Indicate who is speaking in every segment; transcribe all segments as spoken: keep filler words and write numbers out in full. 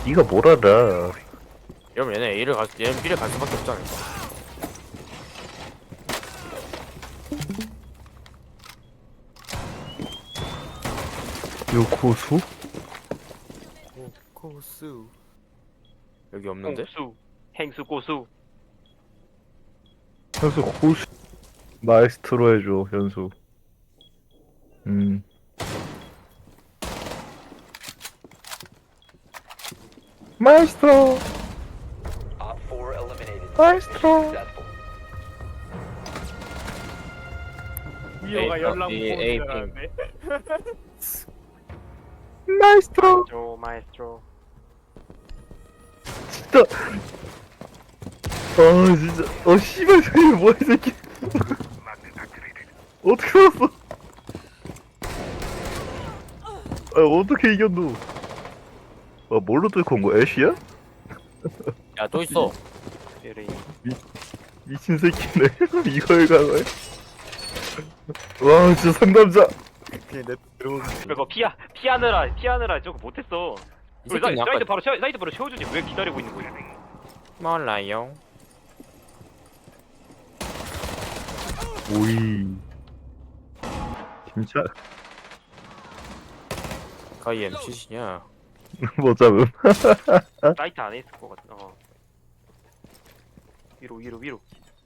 Speaker 1: 네가 뭘 알아?
Speaker 2: 이러면 얘네 A를 갈, 얘는 B를 갈 수밖에 없지 않을까?
Speaker 1: 요코수?
Speaker 2: 고수 여기 없는데?
Speaker 3: 공수, 행수 고수.
Speaker 1: 현수 고수 마에스트로 해줘 현수. 음 마에스트로
Speaker 4: Op four eliminated.
Speaker 1: 마에스트로.
Speaker 4: Successful.
Speaker 3: 이호가
Speaker 2: A,
Speaker 3: 연락
Speaker 2: A,
Speaker 3: 못
Speaker 2: A,
Speaker 3: 오는데.
Speaker 1: 마에스트로.
Speaker 3: 조 마에스트로.
Speaker 1: 진짜. 아 진짜. 어 씨발 저게 뭐야 이 새끼. 어떻게 살았어? 아 어떻게 이겼노? 아 뭘로 뚫고 온 거야? 애쉬야?
Speaker 2: 야 또 있어.
Speaker 3: 에레이.
Speaker 1: 미친 새끼네. 이걸 가네. 와 진짜 상남자.
Speaker 2: 그냥 내 들어오는
Speaker 3: 그거 피하 피하느라 피하느라 저거 못했어.
Speaker 2: 이
Speaker 3: 그
Speaker 2: 새끼는
Speaker 3: 사이- 사이드
Speaker 2: 약간
Speaker 3: 바로 채워, 사이드 바로 채워주지. 왜 기다리고 있는 거야?
Speaker 2: 몰라요.
Speaker 1: 오이. 진짜
Speaker 2: 가이 엠씨시냐?
Speaker 1: 뭐 잡음.
Speaker 3: 사이트 안에 있을 것 같아. 어. 위로 위로 위로.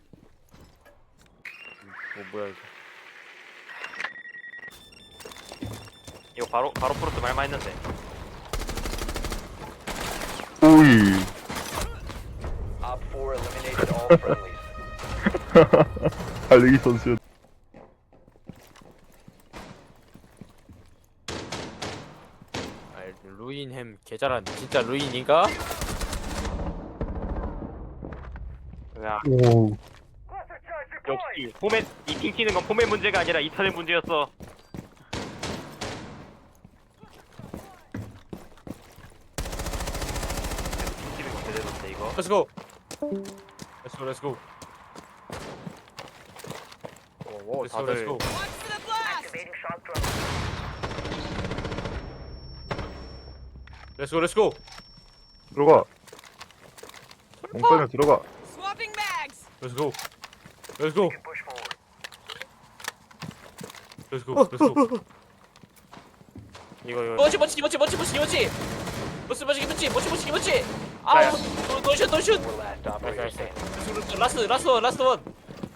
Speaker 2: 뭐 뭐야 이거?
Speaker 3: 이거 바로 바로 프로스 말만 했는데.
Speaker 1: 오이.
Speaker 4: Op four eliminated all friendlies.
Speaker 1: 달리기 선수.
Speaker 2: 아 루인햄 개잘하는데 진짜 루인인가?
Speaker 3: 야
Speaker 1: 오.
Speaker 3: 역시 포맷 이팅 튀는 건 포맷 문제가 아니라 이탄의 문제였어. 튀는 건 제대로인데 이거.
Speaker 2: Let's go. Let's go. Let's go. 오,
Speaker 3: Let's go,
Speaker 2: 다들
Speaker 3: let's go.
Speaker 2: Let's go. Let's go.
Speaker 1: 들어가. 몽땅에 들어가.
Speaker 5: Swapping bags.
Speaker 2: Let's go. Let's go. Let's go. Let's go. 이거 이거.
Speaker 5: 멋지 멋지 멋지 멋지 멋지 멋지 멋지 멋지 멋지 멋지 멋지 멋지 아우 노슛 노슛
Speaker 4: Four last operator standing.
Speaker 5: 라스트 라스트 원 라스트 원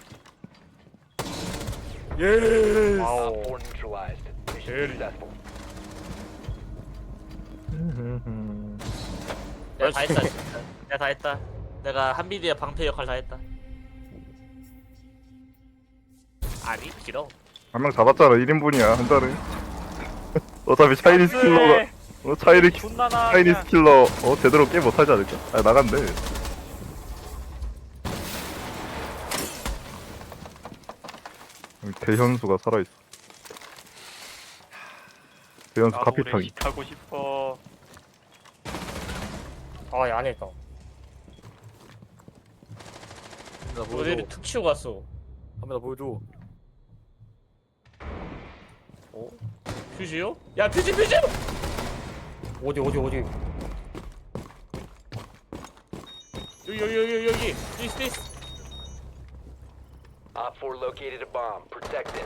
Speaker 2: 예.
Speaker 3: 와우.
Speaker 4: Op four neutralized. Mission successful.
Speaker 5: 내가 다 했다 진짜. 내가 다 했다 내가 한비디의 방패 역할 다 했다 아니 싫어
Speaker 1: 한 명 잡았잖아. 일 인분이야 한 달에. 어차피 차이니스 킬러가. 어 차이니
Speaker 3: 존나 나.
Speaker 1: 차이니스 킬러 어 제대로 게임 못하지 않을까? 아 나간대. 대현수가 살아있어. 대현수
Speaker 3: 나도
Speaker 1: 카피탕이.
Speaker 3: 레식 하고 싶어.
Speaker 5: 아안 했다
Speaker 2: 나 보여줘.
Speaker 5: 모델을 툭 치고 갔어
Speaker 2: 한번 더 보여줘.
Speaker 5: 어? 퓨즈요? 야 퓨즈 퓨즈 어디 어디 어디 여기 여기 여기 여기 디스 디스
Speaker 4: Op four located a bomb. Protect it.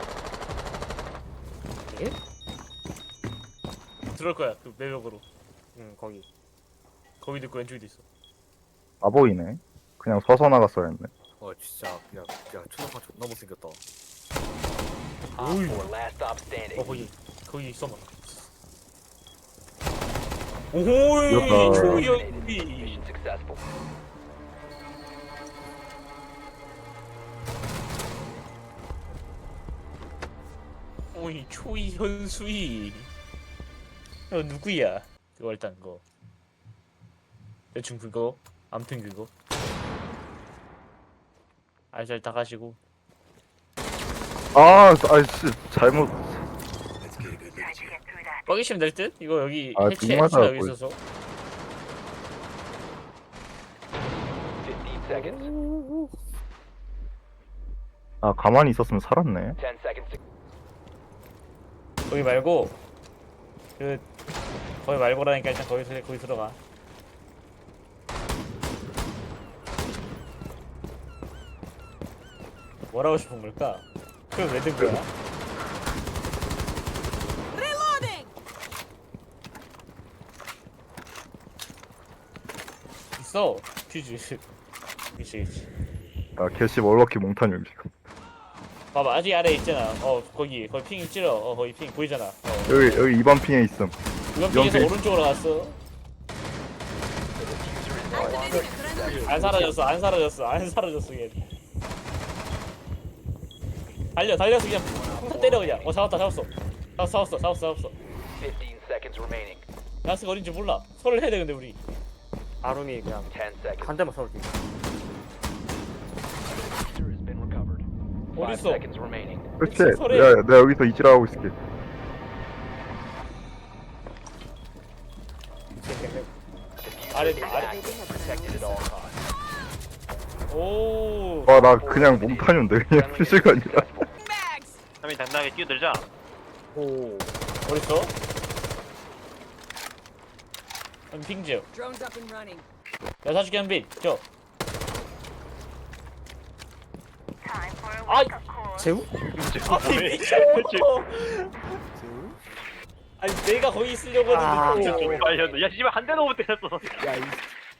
Speaker 5: 들어올 거야 그 매력으로 응 거기 거기도 있고 왼쪽에도 있어
Speaker 1: 아 보이네. 그냥 서서 나갔어야 했네.
Speaker 2: 어 진짜 그냥 야 초등학교 존나 못생겼다.
Speaker 4: Op four last stop standing.
Speaker 5: 어 거기 거기 있어 봐 오호이
Speaker 1: 이겼다.
Speaker 5: 조연비
Speaker 4: Mission successful.
Speaker 5: 오이 초이 현수이 어 누구야 그거 일단 그거 대충 그거 암튼 그거 알잘 다 가시고
Speaker 1: 아 아이씨 잘못.
Speaker 5: 뻐기시면 될 듯? 이거 여기
Speaker 1: 아,
Speaker 5: 해체
Speaker 1: 정말
Speaker 5: 해체가 여기
Speaker 1: 잘하고
Speaker 5: 있어서
Speaker 4: Fifteen seconds.
Speaker 1: 아 가만히 있었으면 살았네.
Speaker 4: Ten seconds. to-
Speaker 5: 거기 말고 그 거기 말고라니까 일단 거기 거기 들어가 뭐라고 싶은 걸까? 그럼 왜 든 거야? 있어 퓨즈. 그치 그치.
Speaker 1: 아 개씨 월워키 몽타뉴 지금.
Speaker 5: 봐봐 아직 아래 있잖아. 어 거기 거기 핑 찔러. 어 거기 핑 보이잖아. 어.
Speaker 1: 여기 여기 이 번 핑에 있음.
Speaker 5: 이번
Speaker 1: 이번
Speaker 5: 핑에서
Speaker 1: 핑.
Speaker 5: 오른쪽으로 갔어. 안 사라졌어 안 사라졌어 안 사라졌어 얘. 달려 달려서 그냥 폭탄 때려 그냥. 어 잡았다 잡았어. 잡았어 잡았어 잡았어 잡았어.
Speaker 4: fifteen seconds remaining.
Speaker 5: 야스가 어딘지 몰라. 설을 해야 돼 근데 우리.
Speaker 2: 아름이 그냥
Speaker 4: ten seconds.
Speaker 2: 한 대만 쏴도 돼.
Speaker 4: Diffuser has been recovered. Five
Speaker 5: 어딨어?
Speaker 4: seconds remaining.
Speaker 1: 그렇지.
Speaker 5: 설에.
Speaker 1: 내가 내가 여기서 이지라하고 있을게.
Speaker 5: 아래
Speaker 4: Diffuser is
Speaker 5: 아래.
Speaker 4: active. Protected at all costs.
Speaker 5: 오.
Speaker 1: 와 나 그냥 몽타뉴인데 그냥 퓨즈가 아니라.
Speaker 3: 삼인 당당하게 뛰어들자.
Speaker 2: 오.
Speaker 5: 어딨어? 한 핑지요.
Speaker 6: Drones up and running.
Speaker 5: 야 사줄게 한 빈. 저. 아이.
Speaker 2: 재우?
Speaker 5: 아니 미쳐. 아니 내가 거기 있으려고
Speaker 2: 아,
Speaker 5: 했는데.
Speaker 3: 좀
Speaker 5: 또.
Speaker 3: 빨렸어. 야 씨발 한 대도 못 때렸어.
Speaker 2: 야 이.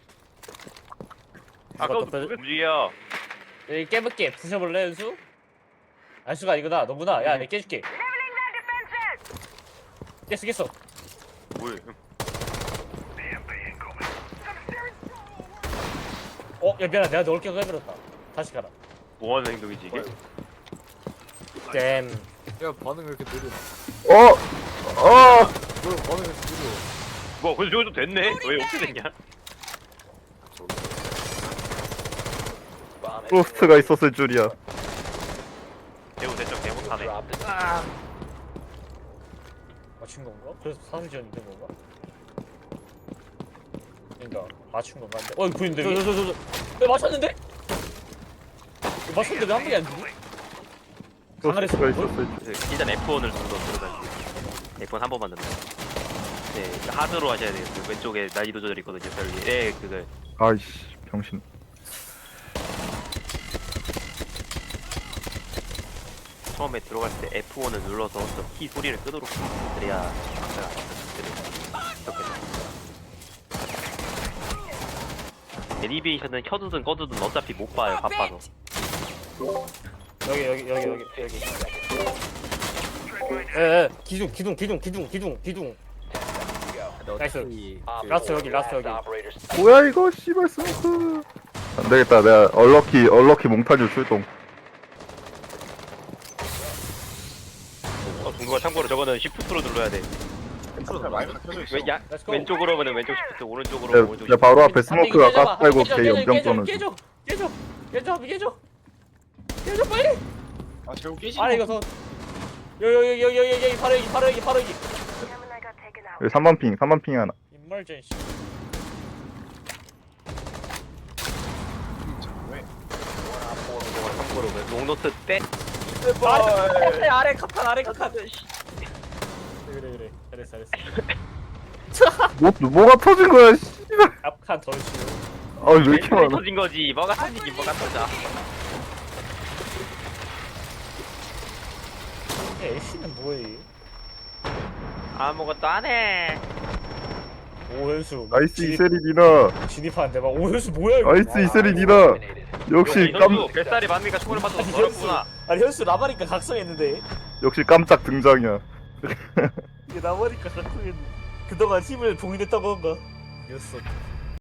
Speaker 3: 아까부터 움직여.
Speaker 5: 여기 깨볼게. 부셔볼래 연수? 안수가 아니구나. 너구나. 야 내가 깨줄게. 깼어 깼어.
Speaker 3: 뭐야?
Speaker 5: 어? 야 미안해. 내가 넣을 게 해버렸다. 다시 가라.
Speaker 3: 뭐하는 행동이지 이게?
Speaker 2: 잼. 야 반응 왜 이렇게 느려?
Speaker 1: 어. 어.
Speaker 2: 너 반응 왜 이렇게 느려?
Speaker 3: 뭐 근데 저거 좀 됐네. 왜 어떻게 됐냐?
Speaker 4: Bomb has been
Speaker 1: 프로스트가 있었을 줄이야.
Speaker 3: 대우 대적 대못하네.
Speaker 4: dropped. The
Speaker 5: 맞춘 건가? 그래서 사슬 지원이 된 건가? 그러니까 맞춘 건가? 근데- 어 이거 보이는데? 저 저 저저 왜 맞췄는데? 이거 맞췄는데 왜 한 방이 안 되지?
Speaker 1: 프로스트가
Speaker 5: 강화했어.
Speaker 1: 있었을 줄.
Speaker 3: 일단 에프 원을 좀 더 들어가지고. 에프 원 한 번만 넣으면. 네, 하드로 하셔야 돼요. 그 왼쪽에 난이도 조절 있거든요. 저기 예, 그걸
Speaker 1: 아이씨 병신.
Speaker 3: 처음에 들어갈 때 에프 원을 눌러서 저 키 소리를 끄도록 그래야 박자가 좋겠다. 애니메이션은 켜두든 꺼두든 어차피 못 봐요. 바빠서.
Speaker 5: 여기 여기 여기 여기 여기. 에에 기둥 기둥 기둥 기둥 기둥 기둥. 나이스.
Speaker 4: Op
Speaker 5: 라스트
Speaker 4: four,
Speaker 5: 여기, 라스트
Speaker 4: last
Speaker 5: 여기.
Speaker 4: operator standing.
Speaker 1: 뭐야 이거 씨발 스모크. 안 되겠다. 내가 얼럭키 얼럭키 몽타뉴 출동.
Speaker 3: 어, 궁금한 참고로 저거는 시프트로 눌러야 돼. 왼, 야,
Speaker 5: Let's go.
Speaker 3: 왼쪽으로 오면 왼쪽 시프트, 오른쪽으로
Speaker 1: 내,
Speaker 3: 오면 오른쪽
Speaker 1: 내
Speaker 3: 시프트.
Speaker 1: 바로 앞에
Speaker 5: 한 빈
Speaker 1: 스모크가
Speaker 5: 깨져봐.
Speaker 1: 가스 팔고
Speaker 5: 깨져,
Speaker 1: 개
Speaker 5: 깨져,
Speaker 1: 염정
Speaker 5: 깨져,
Speaker 1: 떠는.
Speaker 5: 깨져 깨져 깨져 한 빈 깨져. 깨져 빨리.
Speaker 7: 아 재우 깨지.
Speaker 5: 아래 이거 더. 여기 여기 여기 여기 여기 바로 여기 바로 여기 바로 여기.
Speaker 1: 여기 삼 번 핑, 삼 번 핑 하나.
Speaker 5: 인멀전시.
Speaker 7: 왜?
Speaker 3: 저거 참고로 그 롱노트 때
Speaker 5: 아래 아래 카판 아래 카판. 그래 그래 잘했어 잘했어.
Speaker 1: 뭐 뭐가 터진 거야? 씨발.
Speaker 5: 앞칸 덜 치우.
Speaker 1: 아왜 이렇게 많아?
Speaker 3: 터진 거지. 뭐가 터지긴 뭐가 터져.
Speaker 5: 애쉬는 뭐해?
Speaker 3: 아무것도 안 해.
Speaker 5: 오현수.
Speaker 1: 나이스 이세리 니나.
Speaker 5: 진입하는데 막 오현수 뭐야 이거?
Speaker 1: 나이스 이세리 니나.
Speaker 4: Eliminated.
Speaker 1: 역시 깜
Speaker 3: 현수 뱃살이 많으니까 총을 맞아서
Speaker 5: 아니, 현수.
Speaker 3: 어렵구나.
Speaker 5: 아니 현수 라바니까 각성했는데
Speaker 1: 역시 깜짝 등장이야.
Speaker 5: 이게 라바니까 각성했는데 그동안 힘을 봉인했던 건가? 이겼어.